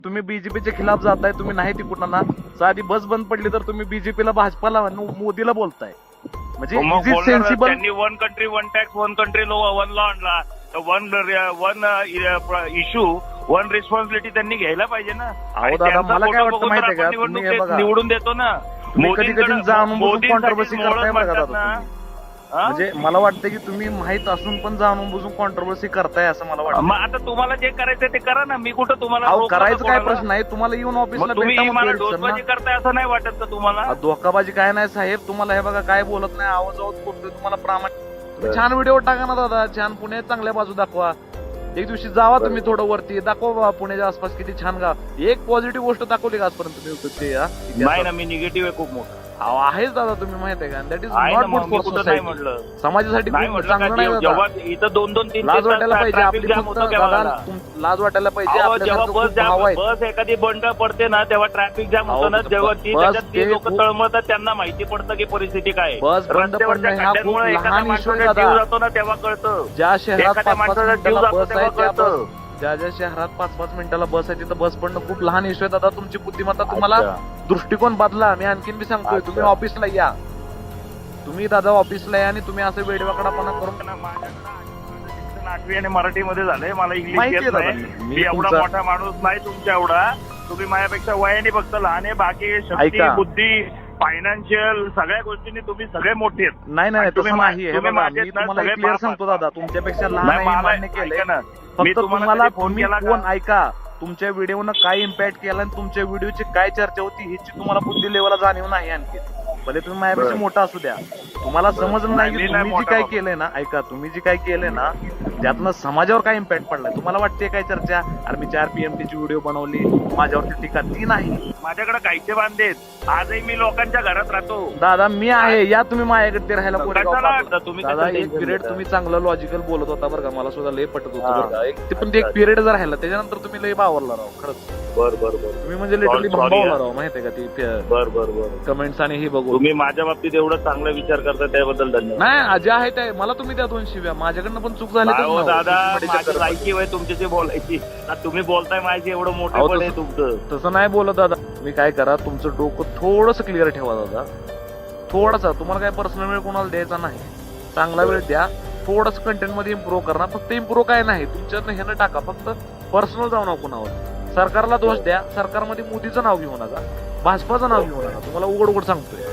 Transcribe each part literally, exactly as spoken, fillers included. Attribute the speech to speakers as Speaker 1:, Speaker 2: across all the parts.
Speaker 1: तुम्ही बीजेपीच्या खिलाफ जाताय, तुम्ही नाही तिकडनं साधी बस बंद पडली तर तुम्ही बीजेपीला भाजपाला मोदीला बोलताय. म्हणजे
Speaker 2: त्यांनी one country one tax one country low one law आणला, one one issue one responsibility त्यांनी घ्यायला पाहिजे ना.
Speaker 1: अहो दादा मला काय वाटतं माहितीये का, तुम्ही हे बघा
Speaker 2: निवडून देतो ना.
Speaker 1: कधी कधी जाणून बुजून कॉन्ट्रोवर्सी करताय बघा दादा. म्हणजे मला वाटतं की तुम्ही माहित असून पण जाणून बुजून कॉन्ट्रोवर्सी करताय असं मला वाटतं.
Speaker 2: मग आता तुम्हाला जे करायचं ते करा ना, मी कुठं तुम्हाला
Speaker 1: करायचं काय प्रश्न नाही. तुम्हाला येऊन ऑफिसला
Speaker 2: तुम्ही मला डोसबाजी करताय असं नाही वाटत का तुम्हाला?
Speaker 1: धोकाबाजी काय नाही साहेब, तुम्हाला हे बघा काय बोलत नाही, आवाज आवाज करतोय तुम्हाला प्रामाणिक. तुम्ही छान व्हिडिओ टाका ना दादा, छान पुणे चांगल्या बाजू दाखवा. एक दिवशी जावा तुम्ही थोडं वरती, दाखवा बाबा पुण्याच्या आसपास किती छान गाव. एक पॉझिटिव्ह गोष्ट दाखवली का आजपर्यंत तुम्ही?
Speaker 2: नाही ना, मी निगेटिव्ह आहे खूप मोठं.
Speaker 1: आहेच दादा, तुम्ही माहित आहे का, that is not good for society. समाजासाठी चांगलं नाही दादा.
Speaker 2: इथं दोन दोन तीन
Speaker 1: लाज वाटायला पाहिजे आपली, लाज वाटायला पाहिजे.
Speaker 2: जेव्हा बस बस एखादी बंड पडते ना तेव्हा ट्रॅफिक जाम होतं ना, जेव्हा ती त्याच्यात ती लोक तळमळतात त्यांना माहिती पडतं की परिस्थिती काय.
Speaker 1: बस बंद पडणं हा खूप लहान इश्यू आहे दादा.
Speaker 2: जातो ना तेव्हा कळतं.
Speaker 1: ज्या शहरात पाच पाच मिनिटाला बस आहे त्या बस,
Speaker 2: कळतं.
Speaker 1: ज्या ज्या शहरात पाच पाच मिनिटाला बस आहे तिथं बस पडणं खूप लहान इश्यू आहे दादा. तुमची बुद्धिमत्ता, तुम्हाला दृष्टिकोन बदला. मी आणखीन बी सांगतोय, तुम्ही ऑफिसला या, तुम्ही दादा ऑफिसला या आणि तुम्ही असं वेडवाकडापणा करून.
Speaker 2: आठवी आणि मराठीमध्ये झालंय, मला इंग्लिश येत नाही. मी एवढा मोठा माणूस नाही तुमच्या एवढा. तुम्ही माझ्यापेक्षा वयाने फक्त लहान आहे, बाकी शक्ती बुद्धी फायनान्शियल सगळ्या गोष्टींनी तुम्ही सगळे मोठे आहेत.
Speaker 1: नाही नाही तसं नाही. हे बघा मी तुम्हाला क्लिअर सांगतो दादा, तुमच्यापेक्षा लहान आहे मान्य केलंय. फक्त तुम्हाला तुम्ही कोण ऐका, तुमच्या व्हिडिओनं काय इम्पॅक्ट केला आणि तुमच्या व्हिडिओची काय चर्चा होती ह्याची तुम्हाला बुद्धी लेवलला जाणीव नाही. आणखी भले तुम्ही माझ्यापेक्षा मोठा असू द्या, तुम्हाला समजलं नाही की तुम्ही जी काय केलंय ना, ऐका तुम्ही जी काय केलंय ना त्यातनं समाजावर काय इम्पॅक्ट पडलाय. तुम्हाला वाटते काय चर्चा, अरे मी चार पीएमटी ची व्हिडिओ बनवली माझ्यावरती टीका, ती नाही.
Speaker 2: माझ्याकडे गायचे बांधेत, आजही मी लोकांच्या घरात राहतो
Speaker 1: दादा. मी आहे या, तुम्ही माझ्याकडे ते राहायला
Speaker 2: तुम्ही
Speaker 1: दादा. एक पिरियड तुम्ही चांगलं लॉजिकल बोलत होता बरं का, मला सुद्धा लय पटत होतं बरं का. एक पण एक पिरियड जर राहिला त्याच्यानंतर तुम्ही लय बावरला राव खरंच.
Speaker 2: बर बर बर
Speaker 1: तुम्ही म्हणजे लिटरली भांबावला राव माहितीये का ती
Speaker 2: बर बर बर
Speaker 1: कमेंट्स आणि हे बघू.
Speaker 2: तुम्ही माझ्या बाबतीत एवढा चांगला विचार करता त्याबद्दल धन्यवाद.
Speaker 1: नाही जे आहे ते मला तुम्ही त्या दोन शिव्या, माझ्याकडनं पण चूक झाली
Speaker 2: दादा. माझी लायकी आहे तुमच्याशी बोलायची, तुम्ही बोलताय माझी एवढं मोठं पण आहे तुमचं.
Speaker 1: तसं नाही बोलत दादा. तुम्ही काय करा, तुमचं डोकं थोडंसं क्लिअर ठेवा दादा, थोडासा. तुम्हाला काय पर्सनल वेळ कोणाला द्यायचा नाही, चांगला वेळ द्या. थोडस कंटेंट मध्ये इम्प्रूव्ह करा. फक्त इम्प्रूव्ह काय नाही तुमच्यातनं हे न टाका, फक्त पर्सनल जाऊ नका कुणावर. सरकारला दोष द्या, सरकारमध्ये मोदीचं नाव घेऊ नका, भाजपाचं नाव घेऊ नका. तुम्हाला उघड उघड सांगतोय.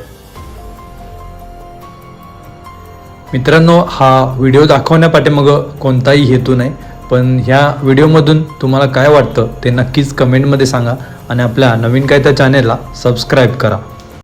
Speaker 3: मित्रांनो, हा व्हिडिओ दाखवण्यापाठीमागं कोणताही हेतू नाही, पण ह्या व्हिडिओमधून तुम्हाला काय वाटतं ते नक्कीच कमेंटमध्ये सांगा आणि आपल्या नवीन काय त्या चॅनेलला सबस्क्राईब करा.